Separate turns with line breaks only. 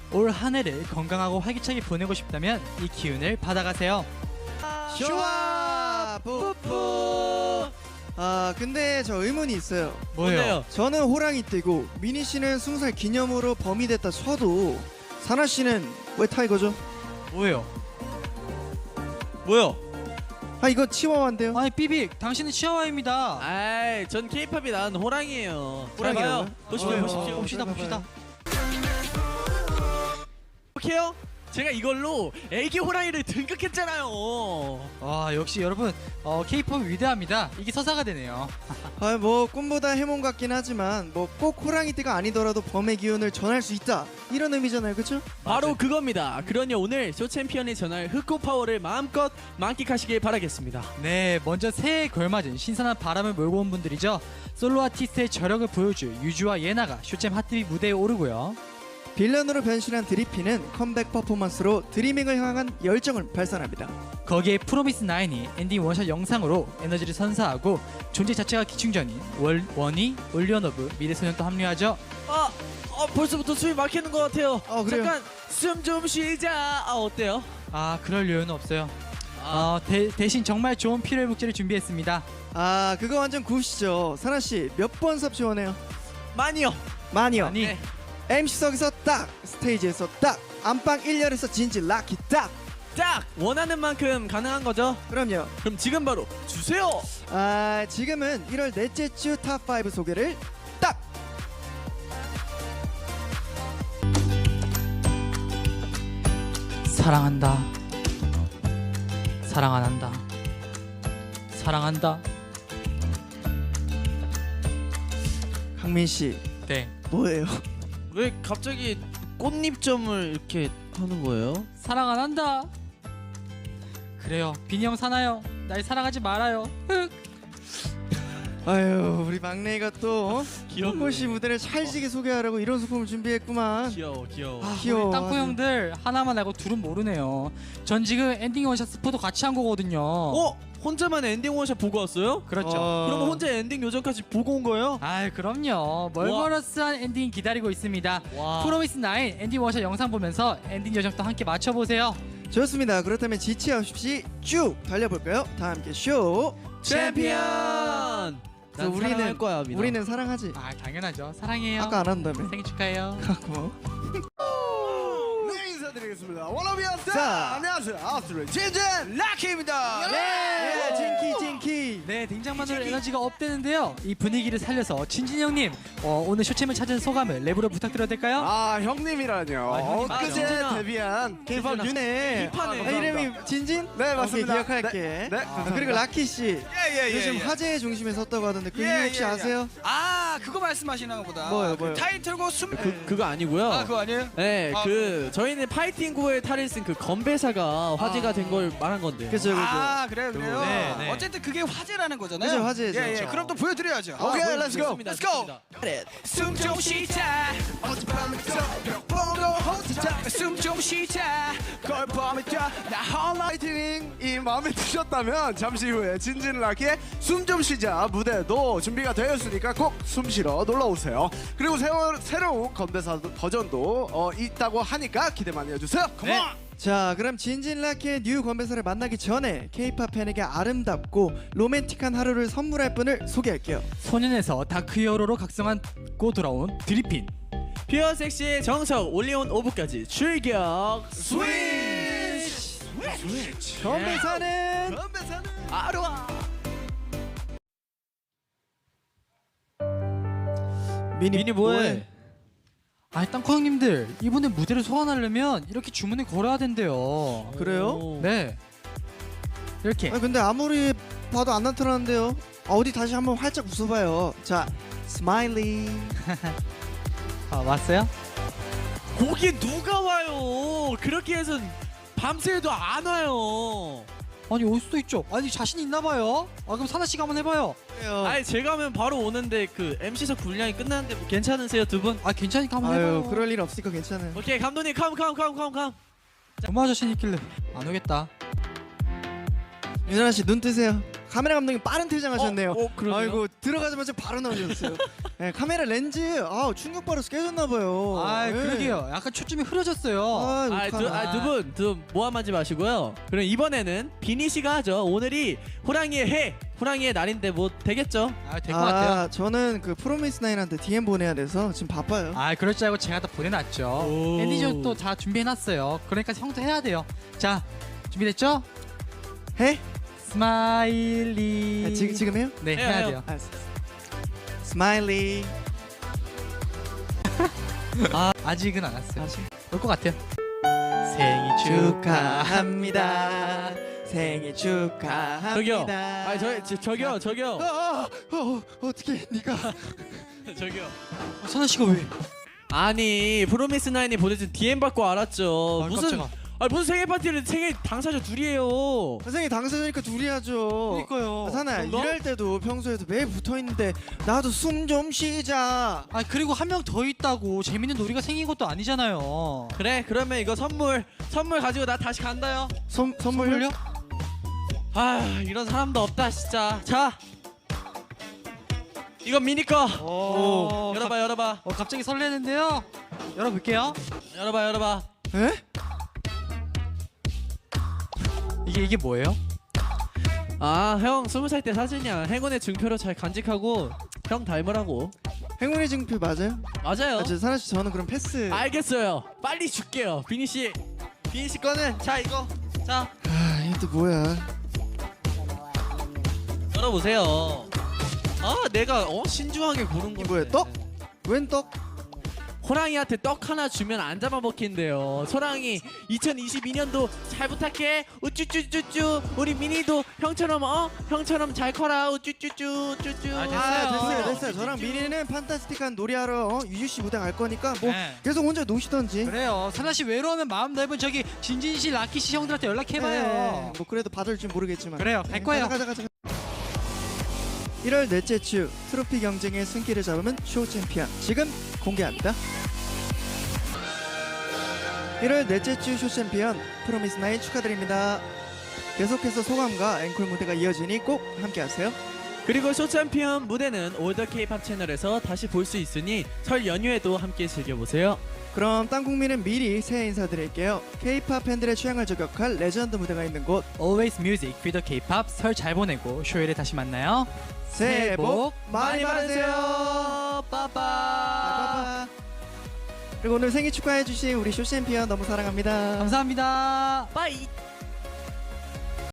올 한 해를 건강하고 활기차게 보내고 싶다면 이 기운을 받아가세요.
슈아 뿌뿌. 아 근데 저 의문이 있어요.
뭐예요?
저는 호랑이 떼고 미니 씨는 20살 기념으로 범이 됐다 쳐도 사나 씨는 왜 타이거죠?
뭐예요?
뭐요?
아 이거 치와와인데요.
아니 삐빅, 당신은 치아와입니다.
아이, 전 케이팝이 나은 호랑이에요.
호랑이라고요?
보시면
어,
봅시다.
오케이요? 제가 이걸로 애기 호랑이를 등극했잖아요.
와 역시 여러분 K-팝 위대합니다. 이게 서사가 되네요.
아 뭐 꿈보다 해몽 같긴 하지만 뭐 꼭 호랑이 떼가 아니더라도 범의 기운을 전할 수 있다 이런 의미잖아요, 그렇죠?
바로 그겁니다. 그러니 오늘 쇼 챔피언이 전할 흑호 파워를 마음껏 만끽하시길 바라겠습니다.
네, 먼저 새해에 걸맞은 신선한 바람을 몰고 온 분들이죠. 솔로 아티스트의 저력을 보여줄 유주와 예나가 쇼챔 핫TV 무대에 오르고요.
빌런으로 변신한 드리피는 컴백 퍼포먼스로 드리밍을 향한 열정을 발산합니다.
거기에 프로미스 나인이 엔딩 원샷 영상으로 에너지를 선사하고 존재 자체가 기충전인 원희, 올리언오브, 미래소년 또 합류하죠.
벌써부터 숨이 막히는 것 같아요.
그래요?
잠깐 숨 좀 쉬자. 어때요?
아 그럴 여유는 없어요. 대신 정말 좋은 필요의 목재를 준비했습니다.
아 그거 완전 굿이죠. 사나 씨 몇 번 섭취원해요?
많이요.
많이요.
아니
네.
MC석에서 딱, 스테이지에서 딱, 안방 1열에서 진지 락키 딱.
딱 원하는 만큼 가능한 거죠.
그럼요.
그럼 지금 바로 주세요.
아 지금은 1월 넷째 주 탑5 소개를 딱.
사랑한다. 사랑 안 한다. 사랑한다.
강민 씨
네.
뭐예요?
왜 갑자기 꽃잎점을 이렇게 하는 거예요?
사랑 안 한다. 그래요. 빈이 형 사나요? 날 사랑하지 말아요. 흑.
아유 우리 막내가 또
귀여워.
꽃씨 무대를 찰지게 소개하라고 이런 소품을 준비했구만.
귀여워.
귀여워.
우리 땅콩
아주.
형들 하나만 알고 둘은 모르네요. 전 지금 엔딩 원샷 스포도 같이 한 거거든요.
혼자만 엔딩 원샷 보고 왔어요?
그렇죠.
그럼 혼자 엔딩 요정까지 보고 온 거예요?
아 그럼요. 멀버러스한 엔딩 기다리고 있습니다.
와.
프로미스 나인 엔딩 원샷 영상 보면서 엔딩 요정도 함께 맞춰보세요.
좋습니다. 그렇다면 지체 없이 쭉 달려볼까요? 다 함께 쇼.
챔피언. 난
우리는-
사랑할 거야, 민아.
우리는 사랑하지.
아 당연하죠. 사랑해요.
아까 안 한다며.
생일 축하해요.
고마워.
네, 인사드리겠습니다. 워너비아스.
자.
안녕하세요. 아스트로의 진진 라키입니다.
예, 진키.
네, 등장만으로 에너지가 업되는데요. 이 분위기를 살려서 진진 형님 오늘 쇼챔을 찾은 소감을 랩으로 부탁드려도 될까요?
아 형님이라뇨.
형님 맞죠.
엊그제
진진아.
데뷔한
K-pop 유네.
힙하네.
아, 이름이 진진?
네 맞습니다.
오케이, 기억할게.
네,
그리고 라키 씨.
예예예.
요즘 화제의 중심에 섰다고 하던데 그 이유 혹시 아세요?
아 그거 말씀하시는 거보다
뭐요?
타이틀곡 숨
그거 아니고요.
아 그거 아니에요?
네,
아,
저희는 파이팅 구의 탈을 쓴 그 건배사가 화제가 된 걸 말한 건데요.
그죠.
아 그래요.
네, 네.
어쨌든 그게 화제라는 거잖아요.
그죠, 화제죠.
예, 예.
그렇죠.
그럼 또 보여드려야죠.
오케이, 렛츠 고.
좋습니다,
Let's go.
좋습니다.
숨 좀 쉬자. 숨 좀 쉬자. 걸 범이 나 홀라.
파이팅이 마음에 드셨다면 잠시 후에 진진 라키의 숨 좀 쉬자 무대도 준비가 되었으니까 꼭 숨 쉬러 놀러 오세요. 그리고 새로운 건배사 버전도 있다고 하니까 기대 많이 해주세요.
네.
자, 그럼 진진 라키의 뉴 건배사를 만나기 전에 K-팝 팬에게 아름답고 로맨틱한 하루를 선물할 분을 소개할게요.
소년에서 다크 히어로로 각성하고 돌아온 드리핀.
퓨어 섹시의 정석 올리온 오브까지 출격
스위치.
건배사는
아로아. 미니 뭐해?
아니 땅콩 형님들 이번에 무대를 소환하려면 이렇게 주문을 걸어야 된대요.
그래요?
네. 이렇게
근데 아무리 봐도 안 나타나는데요. 어디 다시 한번 활짝 웃어봐요. 자, 스마일리.
왔어요?
거기 누가 와요? 그렇게 해선 밤새도 안 와요.
아니 올 수도 있죠. 아니 자신 있나 봐요. 그럼 사나 씨가 한번 해봐요.
아니 제가 하면 바로 오는데 그 MC석 분량이 끝나는데 뭐 괜찮으세요 두 분?
괜찮으니까 한번
아유,
해봐요.
그럴 일 없으니까 괜찮아요.
오케이 감독님 컴.
엄마 자신 있길래 안 오겠다.
유나 씨 눈 뜨세요. 카메라 감독님 빠른 퇴장하셨네요.
그러네요.
아이고 들어가자마자 바로 나오셨어요. 네, 카메라 렌즈 충격 받아서 깨졌나 봐요.
아
네.
그러게요. 약간 초점이 흐려졌어요.
두분 모함하지 마시고요. 그럼 이번에는 비니 씨가 하죠. 오늘이 호랑이의 날인데 뭐 되겠죠?
될 것 같아요.
저는 그 프로미스 나인한테 DM 보내야 돼서 지금 바빠요.
그럴 줄 알고 제가 다 보내놨죠.
오.
앤디전 또 다 준비해놨어요. 그러니까 형도 해야 돼요. 자 준비됐죠?
해?
스마일리.
지금 해요?
네
해요,
해야
해요.
돼요.
알았어. 스마일리.
아직은 안 왔어요.
아직?
올 것 같아요. 생일
축하합니다. 생일 축하합니다.
저기요.
어떻게 네가
저기요.
선아 씨가 왜?
아니 프로미스 나인이 보내준 DM 받고 알았죠.
깜짝아.
무슨 생일 파티를 생일 당사자 둘이에요.
생일 당사자니까 둘이 하죠.
그러니까요.
사나야
그런가?
일할 때도 평소에도 매일 붙어 있는데 나도 숨 좀 쉬자.
그리고 한 명 더 있다고 재밌는 놀이가 생긴 것도 아니잖아요.
그래 그러면 이거 선물 가지고 나 다시 간다요.
선물요?
이런 사람도 없다 진짜. 자 이건 미니 거. 열어봐.
갑자기 설레는데요. 열어볼게요.
열어봐.
에?
이게 뭐예요?
형 20살 때 사진이야. 행운의 증표로 잘 간직하고 형 닮으라고.
행운의 증표 맞아요?
맞아요.
사나 씨 저는 그럼 패스.
알겠어요. 빨리 줄게요. 비니 씨 거는 자 이거 자
이게 또 뭐야?
열어보세요. 내가 신중하게 고른 건데.
뭐야, 떡? 웬 떡?
호랑이한테 떡 하나 주면 안 잡아먹힌대요. 소랑이 2022년도 잘 부탁해. 우쭈쭈쭈쭈. 우리 미니도 형처럼 잘 커라. 우쭈쭈쭈 쭈쭈.
됐어요. 저랑 미니는 판타스틱한 놀이하러 유유 씨 무대 갈 거니까 뭐
네.
계속 혼자 노시던지.
그래요. 선아 씨 외로우면 마음 넓은 저기 진진 씨, 라키 씨 형들한테 연락해봐요.
네, 뭐 그래도 받을지 모르겠지만.
그래요. 갈 거예요.
가자. 1월 넷째 주 트로피 경쟁의 승기를 잡으면 쇼 챔피언 지금 공개합니다. 1월 넷째 주 쇼 챔피언 프로미스 나인 축하드립니다. 계속해서 소감과 앵콜 무대가 이어지니 꼭 함께하세요.
그리고 쇼챔피언 무대는 올더 K-팝 채널에서 다시 볼 수 있으니 설 연휴에도 함께 즐겨보세요.
그럼 땅 국민은 미리 새해 인사드릴게요. K-팝 팬들의 취향을 저격할 레전드 무대가 있는 곳
Always Music, Feed the K-pop. 설 잘 보내고 쇼일에 다시 만나요.
새해 복 많이 받으세요.
빠빠.
그리고 오늘 생일 축하해주신 우리 쇼 챔피언 너무 사랑합니다.
감사합니다.
빠이.